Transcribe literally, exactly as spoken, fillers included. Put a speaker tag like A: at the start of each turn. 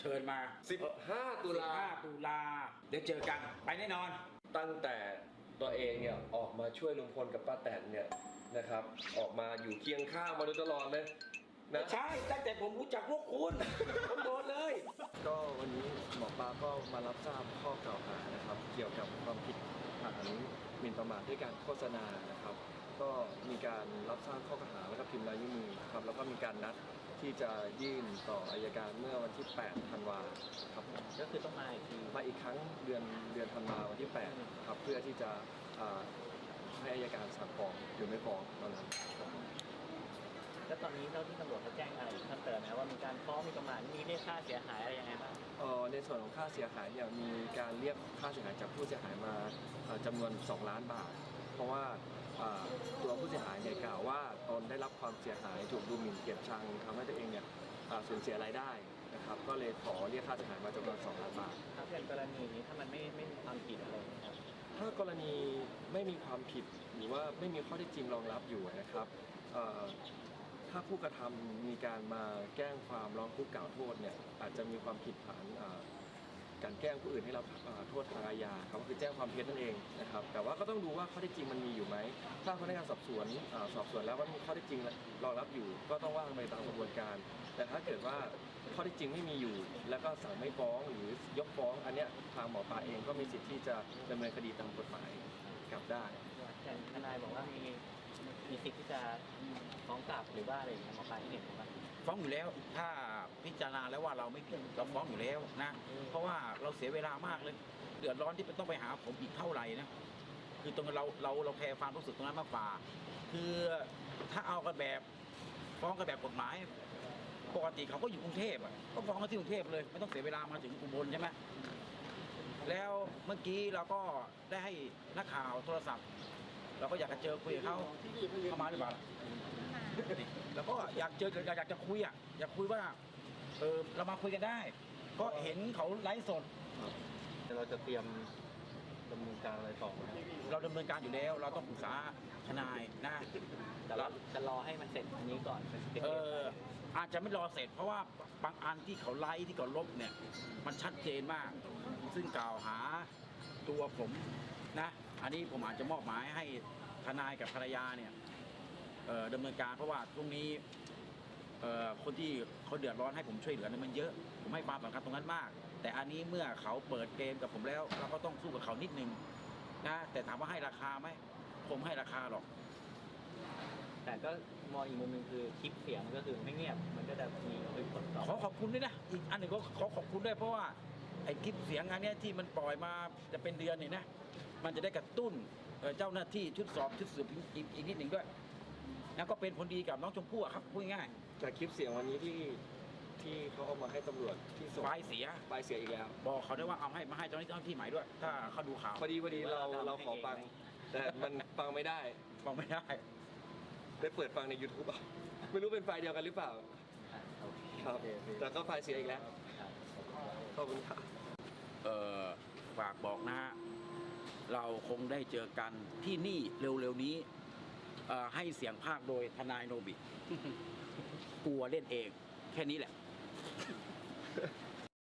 A: ชิญมา
B: สิบห้าตุลา
A: สิบห้าตุลาเดี๋ยวเจอกันไปแน่นอน
B: ตั้งแต่ตัวเองเนี่ยออกมาช่วยลุงพลกับป้าแตนเนี่ยนะครับออกมาอยู่เคียงข้างมาโดยตลอดเลยนะ
A: ใช่ตั้งแต่ผมรู้จักพวกคุณผมโดนเลย
C: ก็วันนี้หมอปลาก็มารับทราบข้อกล่าวหานะครับเกี่ยวกับความผิดฐานหมิ่นประมาทด้วยการโฆษณานะครับก็มีการรับทราบข้อกล่าวหาแล้วก็พิมพ์ลายนิ้วมือครับแล้วก็มีการนัดที่จะยื่นต่ออัยการเมื่อวันที่แปดธันวาครับ
D: ก็คือต้องมาอีกที
C: มาอีกครั้งเดือนเดือนธันวาวันที่แปดครับเพื่อที่จะให้อัยการสั่งฟ้องหรือไม่ฟ้องตอนนั้น
D: แล้วตอนนี้เจ้าที่ตำรวจเขาแจ้งอะไรเพิ่มเติมไหมว่ามีการฟ้องมีประมาทมีเรียกค่าเสียหายอะไรยังไงบ้าง
C: เอ่อในส่วนของค่าเสียหายเนี่ยมีการเรียกค่าเสียหายจากผู้เสียหายมาจำนวนสองล้านบาทเพราะว่าตัวผู้เสียหายเนี่ยกล่าวว่าตนได้รับความเสียหายถูกดูหมิ่นเกลียดชังทำให้ตัวเองเนี่ยสูญเสียรายได้นะครับก็เลยขอเรียกค่าเสียหายมาจำนวนสองล้านบาท
D: ถ้าเป็นกรณีนี้ถ้ามันไม่ไม่มีความผิดอะไรนะครับ
C: ถ้ากรณีไม่มีความผิดหรือว่าไม่มีข้อเท็จจริงรองรับอยู่นะครับถ้าผู้กระทำมีการมาแจ้งความร้องทุกข์กล่าวโทษเนี่ยอาจจะมีความผิดฐานการแกล้งผู้อื่นให้รับโทษทางอาญาครับก็คือแจ้งความเท็จนั่นเองนะครับแต่ว่าก็ต้องดูว่าข้อเท็จจริงมันมีอยู่ไหมถ้าพนักงานสอบสวนสอบสวนแล้วว่ามีข้อเท็จจริงรองรับอยู่ก็ต้องว่าไปตามกระบวนการแต่ถ้าเกิดว่าข้อเท็จจริงไม่มีอยู่แล้วก็สั่งไม่ฟ้องหรือยกฟ้องอันเนี้ยทางหมอปลาเองก็มีสิทธิ์ที่จะดำเนินคดีตามกฎหมายกลับได้
D: แต่ทนายบอกว่ามีมีสิทธิ์ที่จะฟ้องกลับหรือว่าอะไรอย่างเงี้ยหมอปลาที่เห็นว่า
A: ฟ้องอยู่แล้วถ้าพิจารณาแล้วว่าเราไม่ผิดเราฟ้องอยู่แล้วนะเพราะว่าเราเสียเวลามากเลยเดือดร้อนที่ต้องไปหาผมอีกเท่าไหร่นะคือตรงเราเราเราแคร์ความรู้สึกตรงนั้นมากกว่าคือถ้าเอากันแบบฟ้องกันแบบกฎหมายปกติเขาก็อยู่กรุงเทพอ่ะก็ฟ้องกันที่กรุงเทพเลยไม่ต้องเสียเวลามาถึงอุบลใช่ไหมแล้วเมื่อกี้เราก็ได้ให้นักข่าวโทรศัพท์เราก็อยากจะเจอคุยกับเขาเข้ามาหรือเปล่าแล้วก็อยากเจออยากจะคุยอ่ะอยากคุยว่าเออเรามาคุยกันได้ก็เห็นเขาไลฟ์สด
C: เราจะเตรียมดำเนินการอะไรต่อไหม
A: เราดำเนินการอยู่แล้วเราต้องปรึกษาทนายนะ
D: แต่เราจะรอให้มันเสร็จอันนี้ก่อน
A: เอออาจจะไม่รอเสร็จเพราะว่าบางอันที่เขาไลฟ์ที่เขาลบเนี่ยมันชัดเจนมากซึ่งกล่าวหาตัวผมนะอันนี้ผมอาจจะมอบหมายให้ทนายกับภรรยาเนี่ยดำเนินการเพราะว่าตรงนี้คนที่เขาเดือดร้อนให้ผมช่วยเหลือเนี่ยมันเยอะผมให้ความสำคัญตรงนั้นมากแต่อันนี้เมื่อเขาเปิดเกมกับผมแล้วเราก็ต้องสู้กับเขานิดนึงนะแต่ถามว่าให้ราคาไหมผมให้ราคาหรอก
D: แต่ก็มองอีกมุมหนึ่งคือคลิปเสียงก็คือไม่เงียบมันก็จะมีผลต่อ
A: ขอขอบคุณด้วยนะอีกอันหนึ่งก็ขอขอบคุณด้วยเพราะว่าไอ้คลิปเสียงอันนี้ที่มันปล่อยมาจะเป็นเดือนนี่นะมันจะได้กระตุ้นเจ้าหน้าที่ชุดสอบชุดสืบอีกอีกนิดหนึ่งด้วยแล้วก็เป็นผลดีกับน้องชมพู่ครับพูดง่าย
C: จากคลิปเสียงวันนี้ที่ที่เขาเอามาให้ตำรวจที่ส่ง
A: ไฟเสีย
C: ไฟเสียอีกแล้ว
A: บอกเขาได้ว่าเอาให้มาให้เจ้าหน้าที่ใหม่ด้วยถ้าเขาดูข่าว
C: พอดีพอดีเราเราขอฟังแต่มันฟังไม่ได้
A: ฟังไม่ได้
C: ไปเปิดฟังใน ยูทูบ อ่ะไม่รู้เป็นไฟเดียวกันหรือเปล่าครับแต่ก็ไฟเสียอีกแล้วขอบคุณครับ
A: เอ่อฝากบอกนะฮะเราคงได้เจอกันที่นี่เร็วๆนี้ให้เสียงภาคโดยทนายโนบิกลัวเล่นเองแค่นี้แหละ